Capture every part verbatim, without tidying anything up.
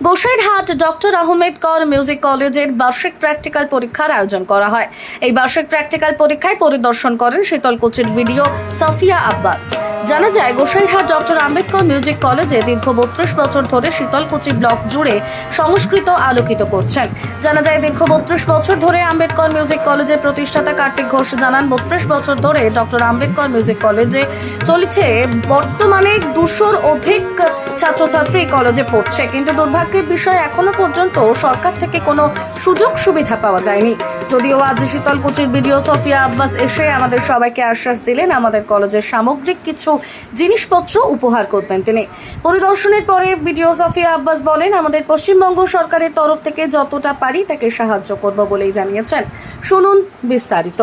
Gosairhat doctor Ahmed কর music কলেজের বার্ষিক প্র্যাকটিক্যাল পরীক্ষার আয়োজন করা হয়। এই বার্ষিক প্র্যাকটিক্যাল পরীক্ষায় পরিদর্শন করেন শীতলকুচির ভিডিও সাফিয়া আব্বাস। জানা যায়, গোসাইরহাট ডক্টর আম্বেদকর মিউজিক কলেজে দীর্ঘ বত্রিশ বছর ধরে শীতলকুচি ব্লক জুড়ে সংস্কৃত আলোকিত করছেন। জানা যায়, দীর্ঘ বত্রিশ বছর ধরে আম্বেদকর মিউজিক কলেজের প্রতিষ্ঠাতা কার্তিক ঘোষ জানান, বত্রিশ বছর ধরে ডক্টর আম্বেদকর মিউজিক কলেজে চলেছে। বর্তমানে দুশোর অধিক ছাত্রছাত্রী কলেজে পড়ছে, কিন্তু দুর্ভাগ্যের বিষয় এখনো পর্যন্ত সরকার থেকে কোনো সুযোগ সুবিধা পাওয়া যায়নি। যদিও আজ শীতলকুচির ভিডিও সাফিয়া আব্বাস এসে আমাদের সবাইকে আশ্বাস দিলেন আমাদের কলেজের সামগ্রিক কিছু জিনিসপত্র উপহার করবেন তিনি। পরিদর্শনের পরে ভিডিও সাফিয়া আব্বাস বলেন, আমাদের পশ্চিমবঙ্গ সরকারের তরফ থেকে যতটা পারি তাকে সাহায্য করব বলেই জানিয়েছেন। শুনুন বিস্তারিত।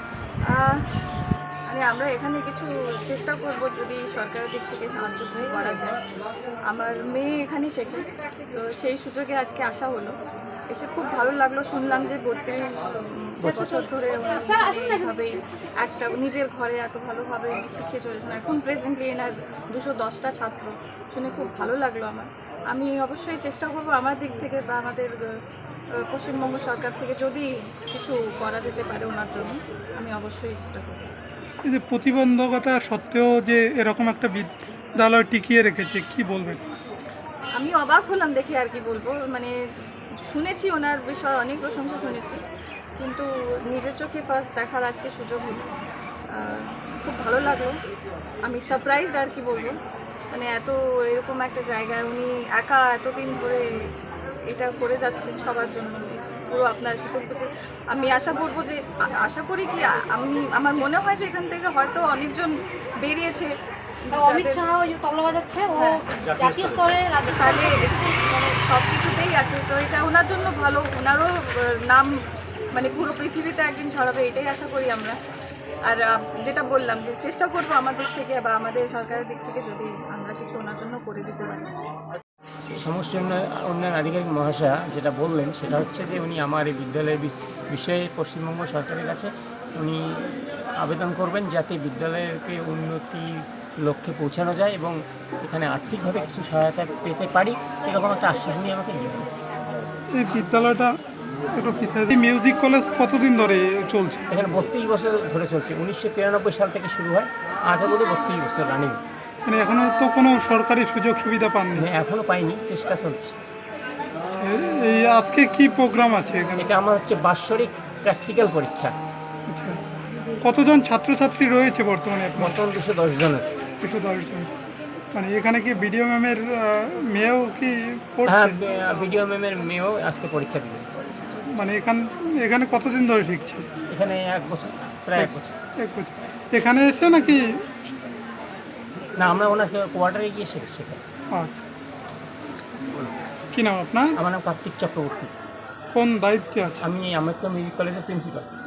আমরা এখানে কিছু চেষ্টা করব, যদি সরকারের দিক থেকে সাহায্য করা যায়। আমার মেয়ে এখানে শেখে, তো সেই সুযোগে আজকে আসা হলো। এসে খুব ভালো লাগলো, শুনলাম যে বত্রিশ বছর ধরে এইভাবেই একটা নিজের ঘরে এত ভালোভাবে শিখিয়ে চলেছেন। এখন প্রেজেন্টলি এনার দুশো দশটা ছাত্র, শুনে খুব ভালো লাগলো আমার। আমি অবশ্যই চেষ্টা করব আমার দিক থেকে বা আমাদের পশ্চিমবঙ্গ সরকার থেকে যদি কিছু করা যেতে পারে ওনার জন্য, আমি অবশ্যই চেষ্টা করব। এই যে প্রতিবন্ধকতা সত্ত্বেও যে এরকম একটা বিদ্যালয় টিকিয়ে রেখেছে, কি বলবেন? আমি অবাক হলাম দেখে, আর কি বলবো। মানে শুনেছি ওনার বিষয়ে অনেক প্রশংসা শুনেছি, কিন্তু নিজের চোখে ফার্স্ট দেখার আজকে সুযোগ হলো। খুব ভালো লাগলো, আমি সারপ্রাইজড, আর কি বলবো। মানে এত এরকম একটা জায়গায় উনি একা এতদিন ধরে এটা করে যাচ্ছেন সবার জন্য, পুরো আপনার শীতলকুচি। আমি আশা করবো যে আশা করি কি আমি আমার মনে হয় যে এখান থেকে হয়তো অনেকজন বেরিয়েছে। অমিত শাহ ওই তবলা বাজাচ্ছে, ও জাতীয় স্তরে তাহলে মানে সব কিছুতেই আছে, তো এটা ওনার জন্য ভালো। ওনারও নাম মানে পুরো পৃথিবীতে একদিন ছড়াবে, এটাই আশা করি আমরা। আর যেটা বললাম যে চেষ্টা করবো আমাদের থেকে বা আমাদের সরকারের দিক থেকে যদি আমরা কিছু ওনার জন্য করে দিতে পারি। সমষ্টি উন্নয়ন আধিকারিক মহাশয়া যেটা বললেন সেটা হচ্ছে যে উনি আমার এই বিদ্যালয়ের বিষয়ে পশ্চিমবঙ্গ সরকারের কাছে উনি আবেদন করবেন যাতে বিদ্যালয়কে উন্নতি লক্ষ্যে পৌঁছানো যায় এবং এখানে আর্থিকভাবে কিছু সহায়তা পেতে পারি, এরকম একটা আশ্বাস নিয়ে আমাকে দিবেন। এই বিদ্যালয়টা মিউজিক কলেজ কতদিন ধরে চলছে? এখানে বত্রিশ বছর ধরে চলছে, উনিশশো তিরানব্বই সাল থেকে শুরু হয়, আজ অবধি বত্রিশ বছর রানিং। মানে এখনো তো কোনো সরকারি সুযোগ সুবিধা পাননি? হ্যাঁ, এখনও পাইনি, চেষ্টা চলছে। এই আজকে কি প্রোগ্রাম আছে এখানে? এটা আমার হচ্ছে বাৎসরিক প্র্যাকটিক্যাল পরীক্ষা। কতজন ছাত্রছাত্রী রয়েছে বর্তমানে? বর্তমান দুশো দশ জন আছে। দুশো দশ জন। মানে এখানে কি বিডিও ম্যামের মেয়েও কি পড়ছে? হ্যাঁ, বিডিও ম্যামের মেয়েও আজকে পরীক্ষা দিবে। মানে এখান এখানে কতদিন ধরে শিখছে? এখানে এক বছর, প্রায় এক বছর। এক বছর। এখানে এসে নাকি? না, আমরা ওনার কোয়ার্টারে গিয়ে শেখাই। আচ্ছা, কী নাম আপনার? আমার নাম কার্তিক চক্রবর্তী। কোন দায়িত্বে আছে? আমি আম্বেদকর মিউজিক কলেজের প্রিন্সিপাল।